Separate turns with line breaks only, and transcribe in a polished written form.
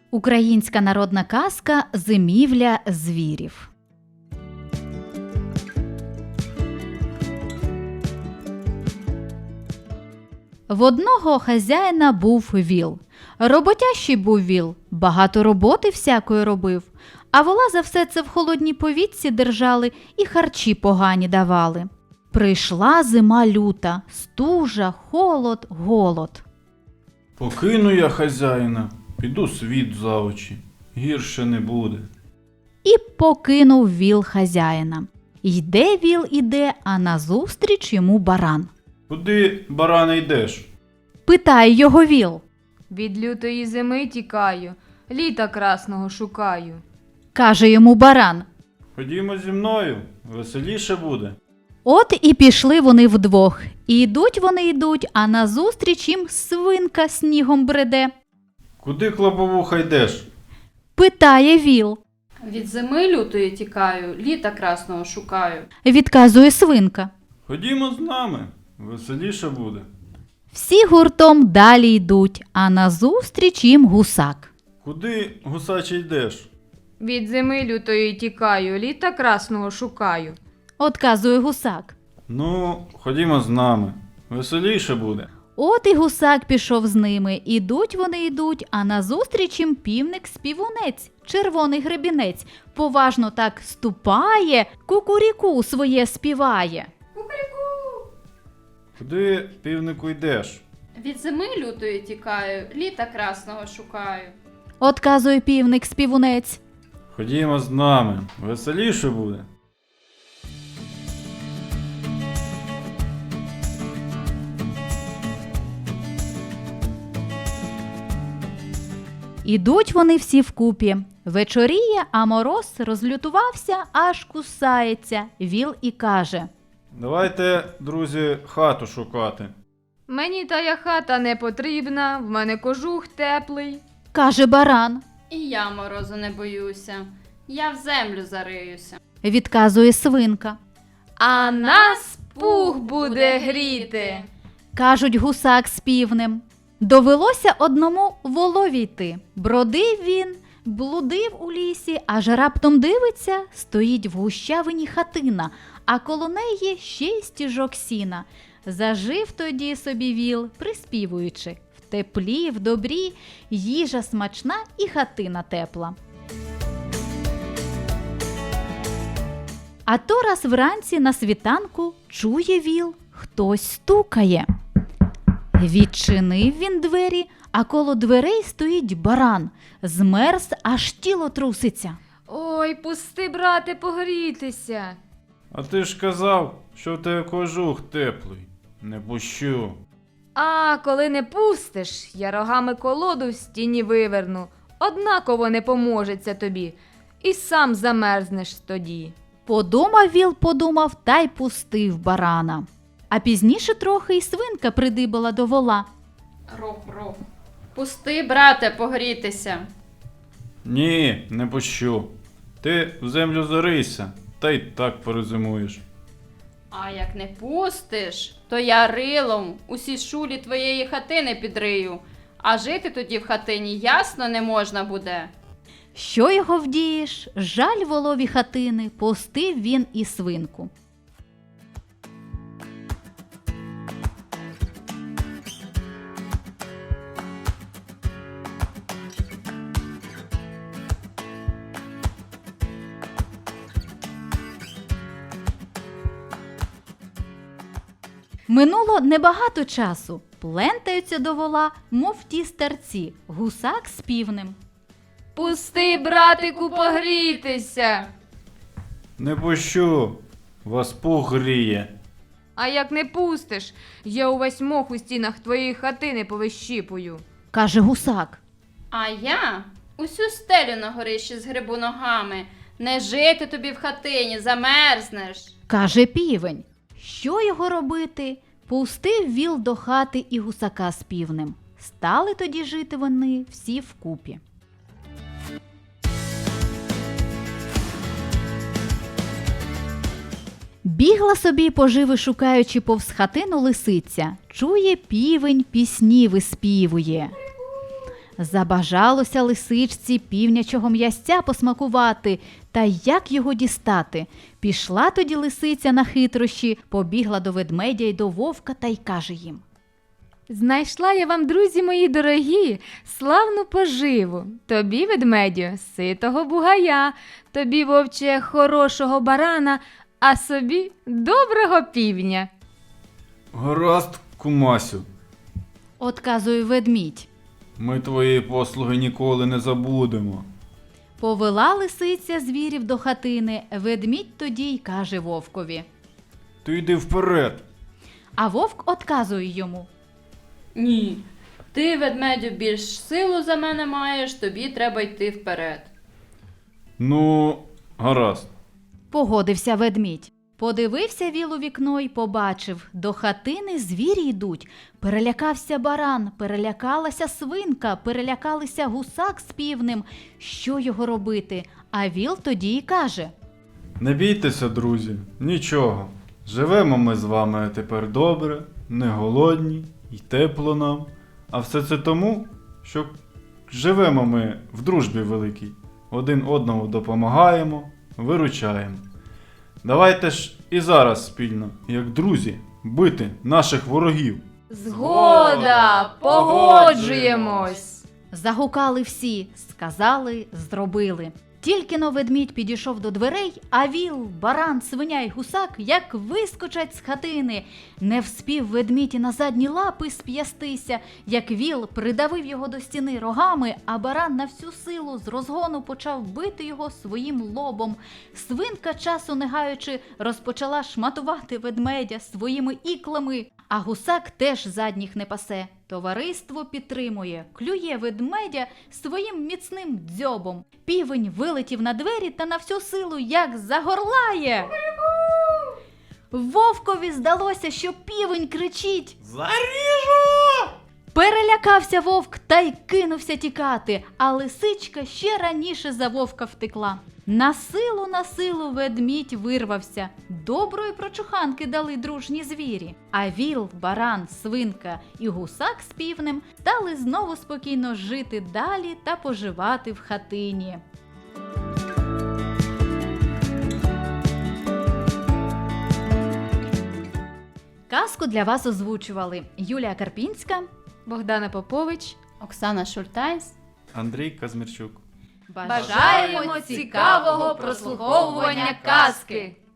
Українська народна казка «Зимівля звірів». В одного хазяїна був віл. Роботящий був віл, багато роботи всякої робив, а вола за все це в холодній повітці держали і харчі погані давали. Прийшла зима люта, стужа, холод, голод.
Покину я хазяїна, піду світ за очі, гірше не буде.
І покинув віл хазяїна. Йде віл іде, а назустріч йому баран.
Куди, баране, йдеш?
Питає його віл.
Від лютої зими тікаю, літа красного шукаю.
Каже йому баран.
Ходімо зі мною, веселіше буде.
От і пішли вони вдвох. І йдуть, а назустріч їм свинка снігом бреде.
Куди, клоповуха, йдеш?
Питає віл.
Від зими лютої тікаю, літа красного шукаю.
Відказує свинка.
Ходімо з нами, веселіше буде.
Всі гуртом далі йдуть, а назустріч їм гусак.
Куди, гусаче, йдеш?
Від зими лютої тікаю, літа красного шукаю.
Отказує гусак.
Ну, ходімо з нами, веселіше буде.
От і гусак пішов з ними. Ідуть, а назустріч їм півник-співунець, червоний гребінець. Поважно так ступає, кукуріку своє співає.
Куди, півнику, йдеш?
Від зими лютої тікаю, літа красного шукаю.
Отказує півник-співунець.
Ходімо з нами, веселіше буде.
Ідуть вони всі вкупі. Вечоріє, а мороз розлютувався, аж кусається. Віл і каже.
Давайте, друзі, хату шукати.
Мені тая хата не потрібна, в мене кожух теплий.
Каже баран.
І я морозу не боюся, я в землю зариюся.
Відказує свинка.
А нас пух буде гріти.
Кажуть гусак з півнем. Довелося одному волові йти. Бродив він, блудив у лісі, аж раптом дивиться, стоїть в гущавині хатина, а коло неї ще й стіжок сіна. Зажив тоді собі віл, приспівуючи: в теплі, в добрі, їжа смачна і хатина тепла. А то раз вранці на світанку чує віл, хтось стукає. Відчинив він двері, а коло дверей стоїть баран. Змерз, аж тіло труситься.
Ой, пусти, брате, погрітися.
А ти ж казав, що в тебе кожух теплий. Не пущу.
А коли не пустиш, я рогами колоду в стіні виверну. Однаково не поможеться тобі. І сам замерзнеш тоді.
Подумав віл, та й пустив барана. А пізніше трохи й свинка придибала до вола.
Ров. Пусти, брате, погрітися.
Ні, не пущу. Ти в землю зарийся, та й так перезимуєш.
А як не пустиш, то я рилом усі шулі твоєї хатини підрию, а жити тоді в хатині ясно не можна буде.
Що його вдієш? Жаль волові хатини, пустив він і свинку. Минуло небагато часу. Плентаються до вола, мов ті старці, гусак з півнем.
Пусти, братику, погрітися.
Не пущу, вас пух гріє.
А як не пустиш, я увесь мох у стінах твоєї хатини повищіпую.
Каже гусак.
А я усю стелю на горищі згребу ногами. Не жити тобі в хатині, замерзнеш.
Каже півень. Що його робити? Пустив віл до хати і гусака з півнем. Стали тоді жити вони всі вкупі. Бігла собі поживи шукаючи повз хатину лисиця. Чує півень, пісні виспівує. Забажалося лисичці півнячого м'ясця посмакувати, та як його дістати? Пішла тоді лисиця на хитрощі, побігла до ведмедя й до вовка та й каже їм:
Знайшла я вам, друзі мої дорогі, славну поживу. Тобі, ведмедю, ситого бугая, тобі, вовче, хорошого барана, а собі доброго півня.
Гаразд, кумасю,
Отказує ведмідь.
ми твої послуги ніколи не забудемо.
Повела лисиця звірів до хатини, ведмідь тоді й каже вовкові.
Ти йди вперед.
А вовк отказує йому.
Ні. Ти, ведмедю, більш силу за мене маєш, тобі треба йти вперед.
Ну, гаразд.
Погодився ведмідь. Подивився віл у вікно й побачив, до хатини звірі йдуть. Перелякався баран, перелякалася свинка, перелякалися гусак з півнем. Що його робити? А віл тоді й каже.
Не бійтеся, друзі, нічого. Живемо ми з вами тепер добре, не голодні і тепло нам. А все це тому, що живемо ми в дружбі великій. Один одному допомагаємо, виручаємо. Давайте ж і зараз спільно, як друзі, бити наших ворогів.
Згода, погоджуємось.
Загукали всі, сказали, зробили. Тільки-но ведмідь підійшов до дверей, а віл, баран, свиня й гусак як вискочать з хатини. Не вспів ведмідь і на задні лапи сп'ястися, як віл придавив його до стіни рогами, а баран на всю силу з розгону почав бити його своїм лобом. Свинка, часу не гаючи, розпочала шматувати ведмедя своїми іклами, а гусак теж задніх не пасе. Товариство підтримує, клює ведмедя своїм міцним дзьобом. Півень вилетів на двері та на всю силу як загорлає. Вовкові здалося, що півень кричить:
Заріжу!
Перелякався вовк та й кинувся тікати, а лисичка ще раніше за вовка втекла. На силу ведмідь вирвався. Доброї прочуханки дали дружні звірі. А віл, баран, свинка і гусак з півнем стали знову спокійно жити далі та поживати в хатині. Казку для вас озвучували Юлія Карпінська.
Богдана Попович.
Оксана Шультайс.
Андрій Казмірчук.
Бажаємо цікавого прослуховування казки!